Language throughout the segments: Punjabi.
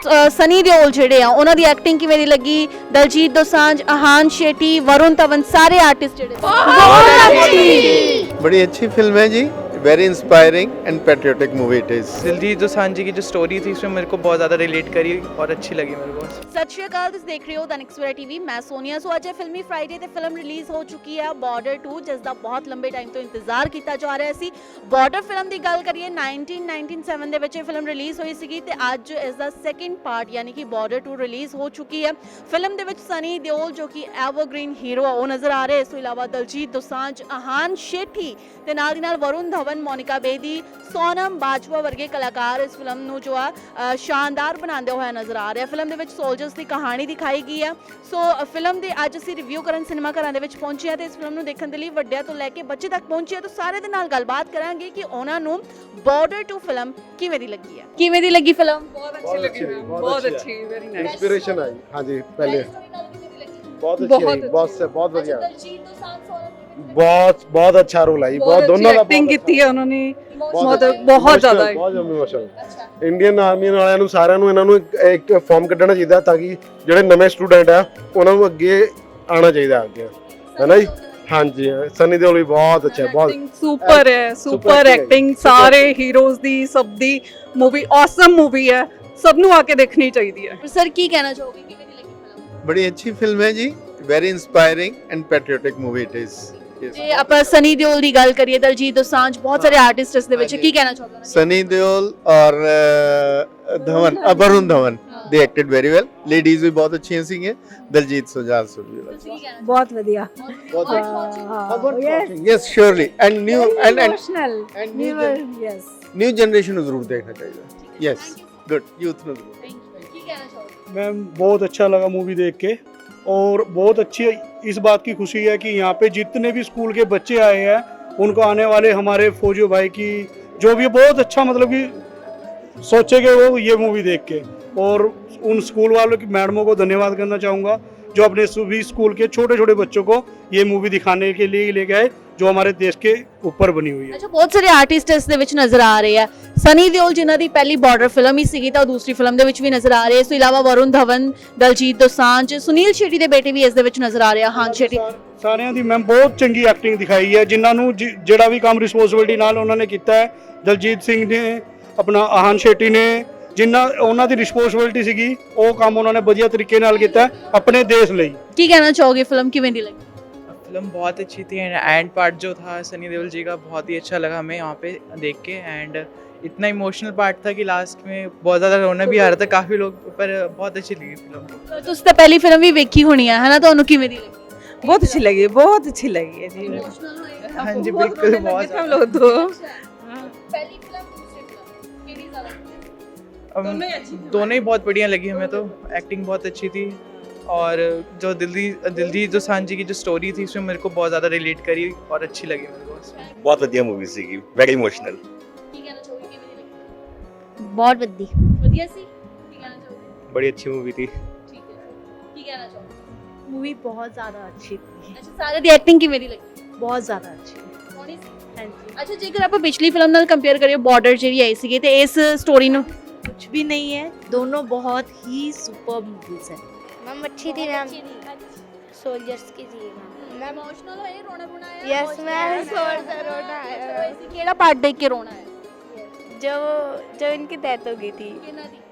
ਸਨੀ ਦਿਓਲ ਜਿਹੜੇ ਆ ਉਹਨਾਂ ਦੀ ਐਕਟਿੰਗ ਕਿਵੇਂ ਦੀ ਲੱਗੀ? ਦਲਜੀਤ ਦੋਸਾਂਝ, ਆਹਾਨ ਸ਼ੇਟੀ, वरुण धवन सारे आर्टिस्ट ਜਿਹੜੇ बड़ी अच्छी फिल्म है जी, very inspiring and patriotic movie it is. Diljit Dosanjh ji की जो स्टोरी थी इसमें मेरे को बहुत ज़्यादा रिलेट करी और अच्छी लगी मेरे को। ਸਤਿ ਸ਼੍ਰੀ ਅਕਾਲ, ਤੁਸੀਂ ਦੇਖ ਰਹੇ ਹੋ ਦੈਨਿਕ ਸਵੇਰਾ ਟੀਵੀ। ਮੈਂ ਸੋਨੀਆ। ਸੋ ਅੱਜ ਫਿਲਮੀ ਫਰਾਈਡੇ ਤੇ ਫਿਲਮ ਰਿਲੀਜ਼ ਹੋ ਚੁੱਕੀ ਹੈ ਬਾਰਡਰ 2, ਜਿਸ ਦਾ ਬਹੁਤ ਲੰਬੇ ਟਾਈਮ ਤੋਂ ਇੰਤਜ਼ਾਰ ਕੀਤਾ ਜਾ ਰਿਹਾ ਸੀ। ਬਾਰਡਰ ਫਿਲਮ ਦੀ ਗੱਲ ਕਰੀਏ 1997 ਦੇ ਵਿੱਚ ਇਹ ਫਿਲਮ ਰਿਲੀਜ਼ ਹੋਈ ਸੀਗੀ ਤੇ ਅੱਜ ਇਸ ਦਾ ਸੈਕਿੰਡ ਪਾਰਟ ਯਾਨੀ ਕਿ ਬਾਰਡਰ 2 ਰਿਲੀਜ਼ ਹੋ ਚੁੱਕੀ ਹੈ। ਫਿਲਮ ਦੇ ਵਿੱਚ ਸਨੀ ਦਿਓਲ ਜੋ ਕਿ ਐਵਰਗ੍ਰੀਨ ਹੀਰੋ ਆ ਉਹ ਨਜ਼ਰ ਆ ਰਹੇ। ਇਸ ਤੋਂ ਇਲਾਵਾ ਦਲਜੀਤ ਦੋਸਾਂਝ, ਆਹਾਨ ਸ਼ੇਠੀ ਤੇ ਨਾਲ ਦੀ ਨਾਲ ਵਰੁਣ ਧਵਨ, ਮੋਨਿਕਾ ਬੇਦੀ, ਸੋਨਮ ਬਾਜਵਾ ਵਰਗੇ ਕਲਾਕਾਰ ਇਸ ਫਿਲਮ ਨੂੰ ਜੋ ਆ ਸ਼ਾਨਦਾਰ ਬਣਾਉਂਦੇ ਹੋਏ ਨਜ਼ਰ ਆ ਰਹੇ। ਫਿਲਮ ਦੇ ਵਿੱਚ ਸੋਲਜਰਸ ਦੀ ਕਹਾਣੀ ਦਿਖਾਈ ਗਈ ਹੈ। ਸੋ ਫਿਲਮ ਦੇ ਅੱਜ ਅਸੀਂ ਰਿਵਿਊ ਕਰਨ ਸਿਨੇਮਾ ਘਰਾਂ ਦੇ ਵਿੱਚ ਪਹੁੰਚੇ ਹਾਂ ਤੇ ਇਸ ਫਿਲਮ ਨੂੰ ਦੇਖਣ ਦੇ ਲਈ ਵੱਡਿਆਂ ਤੋਂ ਲੈ ਕੇ ਬੱਚੇ ਤੱਕ ਪਹੁੰਚੇ। ਤਾਂ ਸਾਰੇ ਦੇ ਨਾਲ ਗੱਲਬਾਤ ਕਰਾਂਗੇ ਕਿ ਉਹਨਾਂ ਨੂੰ ਬਾਰਡਰ 2 ਫਿਲਮ ਕਿਵੇਂ ਦੀ ਲੱਗੀ ਹੈ। ਕਿਵੇਂ ਦੀ ਲੱਗੀ ਫਿਲਮ? बहुत अच्छी लगी मैम, बहुत अच्छी, वेरी नाइस। इंस्पिरेशन आई। हाँ जी, पहले बहुत अच्छी बहुत आई, बहुत बहुत बढ़िया, ਦਲਜੀਤ ਦੋਸਾਂਝ, ਸੋਨਮ बहुत बहुत अच्छा रोल आई, बहुत दोनों का एक्टिंग की है उन्होंने बहुत बहुत ਜ਼ਿਆਦਾ ਬਹੁਤ ਇਮੋਸ਼ਨਲ। ਇੰਡੀਅਨ ਆਰਮੀ ਵਾਲਿਆਂ ਨੂੰ ਸਾਰਿਆਂ ਨੂੰ ਇਹਨਾਂ ਨੂੰ ਇੱਕ ਫਾਰਮ ਕੱਢਣਾ ਚਾਹੀਦਾ ਤਾਂ ਕਿ ਜਿਹੜੇ ਨਵੇਂ ਸਟੂਡੈਂਟ ਆ ਉਹਨਾਂ ਨੂੰ ਅੱਗੇ ਆਉਣਾ ਚਾਹੀਦਾ ਅੱਗੇ, ਹੈ ਨਾ ਜੀ। ਹਾਂਜੀ, ਸਨੀ ਦਿਓਲ ਵੀ ਬਹੁਤ ਅੱਛਾ, ਬਹੁਤ सुपर है, सुपर एक्टिंग सारे हीरोज दी, सब दी मूवी ऑसम मूवी है, सब ਨੂੰ ਆ ਕੇ ਦੇਖਣੀ ਚਾਹੀਦੀ ਹੈ। ਸਰ ਕੀ ਕਹਿਣਾ ਚਾਹੋਗੇ, ਕਿਵੇਂ ਦੀ ਲੱਗੀ ਫਿਲਮ? बड़ी अच्छी फिल्म है जी, very inspiring and patriotic movie it is. ਜੇ ਆਪਾਂ ਸਨੀ ਦਿਓਲ ਦੀ ਗੱਲ ਕਰੀਏ, ਦਲਜੀਤ ਦੋਸਾਂਝ, ਬਹੁਤ ਸਾਰੇ ਆਰਟਿਸਟ ਇਸ ਦੇ ਵਿੱਚ, ਕੀ ਕਹਿਣਾ ਚਾਹੋਗੇ? सनी देओल और Dhawan, Varun Dhawan, they acted very well. Ladies भी बहुत अच्छी सी हैं, दलजीत दोसांझ भी। बहुत बढ़िया। Yes surely and new and emotional and new yes new generation ਨੂੰ ਜ਼ਰੂਰ ਦੇਖਣਾ ਚਾਹੀਦਾ। यस गुड, यूथ ਨੂੰ ਜ਼ਰੂਰ। ਕੀ ਕਹਿਣਾ ਚਾਹੋਗੇ? मैम बहुत अच्छा लगा मूवी देख के, और बहुत अच्छी इस बात की खुशी है कि यहाँ पे जितने भी स्कूल के बच्चे आए हैं उनको आने वाले हमारे फौजी भाई की जो भी बहुत अच्छा मतलब कि सोचेंगे वो ये मूवी देख के। और उन स्कूल वालों की मैडमों को धन्यवाद करना चाहूँगा जो अपने सभी स्कूल के छोटे छोटे बच्चों को ये मूवी दिखाने के लिए ले गए जो हमारे देश के ऊपर बनी हुई है। ਅੱਛਾ, ਬਹੁਤ ਸਾਰੇ ਆਰਟਿਸਟ ਇਸ ਦੇ ਵਿੱਚ ਨਜ਼ਰ ਆ ਰਹੇ ਆ। ਸਨੀ ਦਿਓਲ ਜਿਨ੍ਹਾਂ ਦੀ ਪਹਿਲੀ ਬਾਰਡਰ ਫਿਲਮ ਹੀ ਸੀਗੀ ਤਾਂ ਉਹ ਦੂਸਰੀ ਫਿਲਮ ਦੇ ਵਿੱਚ ਵੀ ਨਜ਼ਰ ਆ ਰਹੇ। ਇਸ ਤੋਂ ਇਲਾਵਾ ਵਰੁਣ ਧਵਨ, ਦਲਜੀਤ ਦੋਸਾਂਝ, ਸੁਨੀਲ ਸ਼ੈਟੀ ਦੇ ਬੇਟੇ ਵੀ ਇਸ ਦੇ ਵਿੱਚ ਨਜ਼ਰ ਆ ਰਹੇ ਆ, ਆਹਾਨ ਸ਼ੇਟੀ। ਸਾਰਿਆਂ ਦੀ ਮੈਮ ਬਹੁਤ ਚੰਗੀ ਐਕਟਿੰਗ ਦਿਖਾਈ ਹੈ, ਜਿਨ੍ਹਾਂ ਨੂੰ ਜਿਹੜਾ ਵੀ ਕੰਮ ਰਿਸਪੌਂਸਿਬਿਲਟੀ ਨਾਲ ਉਹਨਾਂ ਨੇ ਕੀਤਾ ਹੈ। ਦਲਜੀਤ ਸਿੰਘ ਨੇ, ਆਪਣਾ ਆਹਾਨ ਸ਼ੇਟੀ ਨੇ, ਜਿਨ੍ਹਾਂ ਉਹਨਾਂ ਦੀ ਰਿਸਪੌਂਸਿਬਿਲਟੀ ਸੀਗੀ ਉਹ ਕੰਮ ਉਹਨਾਂ ਨੇ ਵਧੀਆ ਤਰੀਕੇ ਨਾਲ ਕੀਤਾ ਆਪਣੇ ਦੇਸ਼ ਲਈ। ਕੀ ਕਹਿਣਾ ਚਾਹੋਗੇ, ਫਿਲਮ ਕਿਵੇਂ ਦੀ ਲੱਗੀ? फिल्म बहुत अच्छी थी एंड पार्ट जो था सनी देओल जी का बहुत ही अच्छा लगा हमें यहाँ पे देख के। एंड इतना इमोशनल पार्ट था कि लास्ट में बहुत ज़्यादा रोना भी आ रहा था काफ़ी लोग, पर बहुत अच्छी लगी फिल्म। ਤੁਸੀਂ ਤਾਂ ਪਹਿਲੀ ਫਿਲਮ ਵੀ ਵੇਖੀ ਹੋਣੀ ਆ, ਹੈ ਨਾ? ਤੁਹਾਨੂੰ ਕਿਵੇਂ ਦੀ ਲੱਗੀ? बहुत अच्छी लगी, बहुत अच्छी लगी है जी। हाँ जी बिल्कुल, बहुत हम लोग तो ਪਹਿਲੀ ਫਿਲਮ, ਦੂਸਰੀ ਫਿਲਮ ਕਿਹੜੀ ਜ਼ਿਆਦਾ? दोनों ही बहुत बढ़िया लगी हमें तो। एक्टिंग बहुत अच्छी थी और जो दिलजीत दोसांझ जी की जो स्टोरी थी उसमें मेरे को बहुत ज़्यादा रिलेट करी और अच्छी लगी मेरे को। बहुत ਵਧੀਆ मूवी ਸੀਗੀ, ਵੈਰੀ ਇਮੋਸ਼ਨਲ। ਕੀ ਕਹਿਣਾ ਚਾਹੋਗੇ, ਕਿਵੇਂ ਦੀ ਲੱਗੀ? बहुत बढ़िया। ਵਧੀਆ ਸੀ। ਕੀ ਕਹਿਣਾ ਚਾਹੋਗੇ? ਬੜੀ ਅੱਛੀ मूवी थी। ਠੀਕ ਹੈ। ਕੀ ਕਹਿਣਾ ਚਾਹੋਗੇ? मूवी बहुत ज़्यादा अच्छी थी, ਅੱਛਾ, ਸਾਰਿਆਂ ਦੀ ਐਕਟਿੰਗ ਕਿਵੇਂ ਦੀ ਲੱਗੀ? बहुत ज़्यादा अच्छी। ਸੋਹਣੀ ਸੀ। हाँ जी, ਅੱਛਾ, ਜੇਕਰ ਆਪਾਂ ਪਿਛਲੀ ਫਿਲਮ ਨਾਲ ਕੰਪੇਅਰ ਕਰੀਏ, ਬਾਰਡਰ ਜਿਹੜੀ ਆਈ ਸੀਗੀ ਤੇ ਇਸ ਸਟੋਰੀ ਨੂੰ, कुछ भी नहीं है, दोनों बहुत ही सुपर मूवीज है। मैम अच्छी थी मैम, सोल्जर्स की थी मैम। ਇਮੋਸ਼ਨਲ ਹੋਏ, ਰੋਣਾ ਰੋਣਾ ਆਇਆ? यस मैम, सोल्जर रोना आया। ਕਿਹੜਾ ਪਾਰਟ ਦੇਖ ਕੇ ਰੋਣਾ ਆਇਆ? जो इनकी डेथ हो गई थी, ਕਿਹਨਾਂ ਦੀ?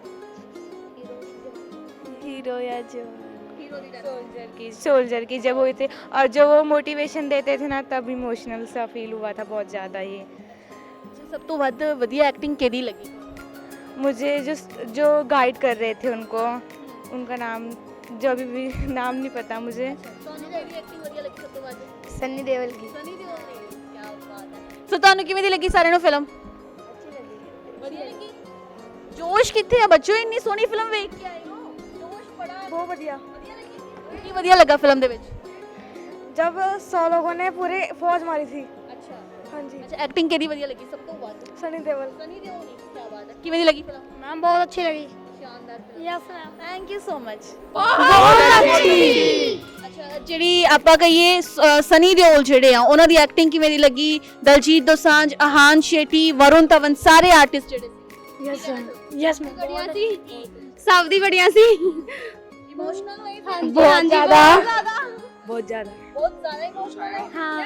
हीरो या जो ਹੀਰੋ ਦੀ death। सोल्जर की जब हुई थी, और जो वो मोटिवेशन देते थे ना तब इमोशनल सा फील हुआ था बहुत ज़्यादा ही। ਅੱਛਾ, ਸਭ ਤੋਂ ਵੱਧ ਵਧੀਆ ਐਕਟਿੰਗ ਕਿਹਦੀ ਲੱਗੀ? मुझे जो गाइड कर रहे थे उनको, उनका नाम जो अभी भी नाम नहीं पता मुझे। ਤੁਹਾਨੂੰ ਕਿਹਦੀ ਐਕਟਿੰਗ ਵਧੀਆ ਲੱਗੀ ਸਭ ਤੋਂ ਵੱਧ? सन्नी देओल की। ਸਨੀ ਦਿਓਲ ਦੀ। ਕੀ ਬਾਤ ਹੈ। ਸੋ ਤੁਹਾਨੂੰ ਕਿਵੇਂ ਦੀ ਲੱਗੀ ਸਾਰਿਆਂ ਨੂੰ ਫਿਲਮ? ਵਧੀਆ ਲੱਗੀ। ਜੋਸ਼ ਕਿੱਥੇ ਆ ਬੱਚੋ, ਇੰਨੀ ਸੋਹਣੀ ਫਿਲਮ ਵੇਖ ਕੇ ਆਏ ਹੋ? ਜੋਸ਼ ਬੜਾ बहुत बढ़िया। ਵਧੀਆ ਲੱਗੀ। ਕੀ ਵਧੀਆ ਲੱਗਾ ਫਿਲਮ ਦੇ ਵਿੱਚ? जब 100 लोगों ने पूरे फौज मारी थी। ਅੱਛਾ हाँ जी, ਅੱਛਾ, ਐਕਟਿੰਗ ਕਿਹਦੀ ਵਧੀਆ ਲੱਗੀ ਸਭ ਤੋਂ ਵੱਧ? सनी देओल। ਸਨੀ ਦਿਓਲ ਦੀ। ਕੀ ਬਾਤ ਹੈ। ਕਿਵੇਂ ਦੀ ਲੱਗੀ ਫਿਲਮ? मैम बहुत अच्छी लगी। ਸ਼ਾਨਦਾਰ film. Yes ma'am. Thank you so much. बहुत अच्छी। ਅੱਛਾ, ਜਿਹੜੀ ਆਪਾਂ ਕਹੀਏ ਸਨੀ ਦਿਓਲ ਜਿਹੜੇ ਆ ਉਹਨਾਂ ਦੀ ਐਕਟਿੰਗ ਕਿਵੇਂ ਦੀ ਲੱਗੀ? ਦਲਜੀਤ ਦੋਸਾਂਝ, ਆਹਾਨ ਸ਼ੇਟੀ, ਵਰੁਣ ਧਵਨ ਸਾਰੇ ਆਰਟਿਸਟ ਜਿਹੜੇ ਸੀ। Yes ma'am. Yes ma'am. बढ़िया थी। ਸਭ ਦੀ ਬੜੀਆਂ ਸੀ ਇਮੋਸ਼ਨਲ ਹੋਈ ਫਿਲਮ ਬਹੁਤ ਜ਼ਿਆਦਾ। ਬਹੁਤ ਜ਼ਿਆਦਾ ਇਮੋਸ਼ਨਲ ਹੈ ਹਾਂ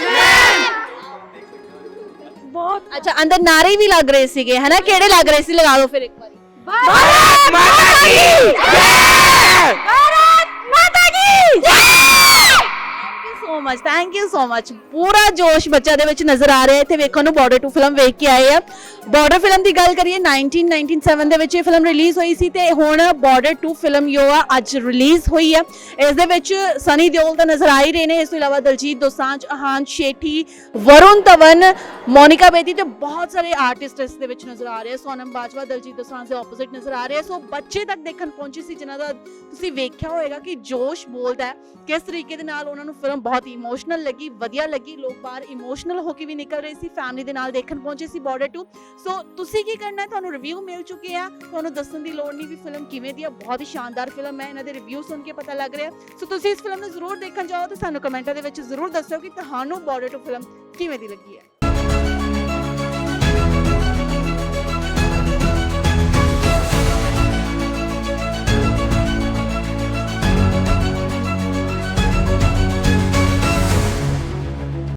ਬਹੁਤ ਅੱਛਾ ਅੰਦਰ ਨਾਰੇ ਵੀ ਲੱਗ ਰਹੇ ਸੀਗੇ ਹੈ ਨਾ ਕਿਹੜੇ ਲੱਗ ਰਹੇ ਸੀ ਲਗਾ ਦਿਓ ਫਿਰ ਇੱਕ ਵਾਰੀ भारत माता की जय भारत माता की ਥੈਂਕ ਯੂ ਸੋ ਮਚ ਪੂਰਾ ਜੋਸ਼ ਬੱਚਿਆਂ ਦੇ ਵਿੱਚ ਨਜ਼ਰ ਆ ਰਿਹਾ ਇੱਥੇ ਵੇਖਣ ਨੂੰ ਬਾਰਡਰ 2 ਫਿਲਮ ਵੇਖ ਕੇ ਆਏ ਆ ਬਾਰਡਰ ਫਿਲਮ ਦੀ ਗੱਲ ਕਰੀਏ 1997 ਦੇ ਵਿੱਚ ਇਹ ਫਿਲਮ ਰਿਲੀਜ਼ ਹੋਈ ਸੀ ਤੇ ਹੁਣ ਬਾਰਡਰ 2 ਫਿਲਮ ਜੋ ਆ ਅੱਜ ਰਿਲੀਜ਼ ਹੋਈ ਆ ਇਸ ਦੇ ਵਿੱਚ ਸਨੀ ਦਿਓਲ ਤਾਂ ਨਜ਼ਰ ਆ ਹੀ ਰਹੇ ਨੇ ਇਸ ਤੋਂ ਇਲਾਵਾ ਦਲਜੀਤ ਦੋਸਾਂਝ ਅਹਾਨ ਸ਼ੇਠੀ ਵਰੁਣ ਧਵਨ ਮੋਨਿਕਾ ਬੇਦੀ ਤੇ ਬਹੁਤ ਸਾਰੇ ਆਰਟਿਸਟ ਇਸ ਦੇ ਵਿੱਚ ਨਜ਼ਰ ਆ ਰਹੇ ਆ ਸੋਨਮ ਬਾਜਵਾ ਦਲਜੀਤ ਦੋਸਾਂਝ ਦੇ ਆਪੋਜ਼ਿਟ ਨਜ਼ਰ ਆ ਰਹੇ ਆ ਸੋ ਬੱਚੇ ਤੱਕ ਦੇਖਣ ਪਹੁੰਚੇ ਸੀ ਜਿਨ੍ਹਾਂ ਦਾ ਤੁਸੀਂ ਵੇਖਿਆ ਹੋਏਗਾ ਕਿ ਜੋਸ਼ ਬੋਲਦਾ ਹੈ ਕਿਸ ਤਰੀਕੇ ਦੇ ਨਾਲ ਉਹਨਾਂ ਨੂੰ ਫਿਲਮ ਬਹੁਤ ਇਮੋਸ਼ਨਲ ਲੱਗੀ ਵਧੀਆ ਲੱਗੀ ਲੋਕ ਬਾਹਰ ਇਮੋਸ਼ਨਲ ਹੋ ਕੇ ਵੀ ਨਿਕਲ ਰਹੇ ਸੀ ਫੈਮਿਲੀ ਦੇ ਨਾਲ ਦੇਖਣ ਪਹੁੰਚੇ ਸੀ ਬਾਰਡਰ 2 ਸੋ ਤੁਸੀਂ ਕੀ ਕਰਨਾ ਹੈ ਤੁਹਾਨੂੰ ਰਿਵਿਊ ਮਿਲ ਚੁੱਕੇ ਆ ਤੁਹਾਨੂੰ ਦੱਸਣ ਦੀ ਲੋੜ ਨਹੀਂ ਵੀ ਫਿਲਮ ਕਿਵੇਂ ਦੀ ਆ ਬਹੁਤ ਹੀ ਸ਼ਾਨਦਾਰ ਫਿਲਮ ਹੈ ਇਹਨਾਂ ਦੇ ਰਿਵਿਊ ਸੁਣ ਕੇ ਪਤਾ ਲੱਗ ਰਿਹਾ ਸੋ ਤੁਸੀਂ ਇਸ ਫਿਲਮ ਨੂੰ ਜ਼ਰੂਰ ਦੇਖਣ ਜਾਓ ਤੇ ਸਾਨੂੰ ਕਮੈਂਟਾਂ ਦੇ ਵਿੱਚ ਜ਼ਰੂਰ ਦੱਸਿਓ ਕਿ ਤੁਹਾਨੂੰ ਬਾਰਡਰ 2 ਫਿਲਮ ਕਿਵੇਂ ਦੀ ਲੱਗੀ ਹੈ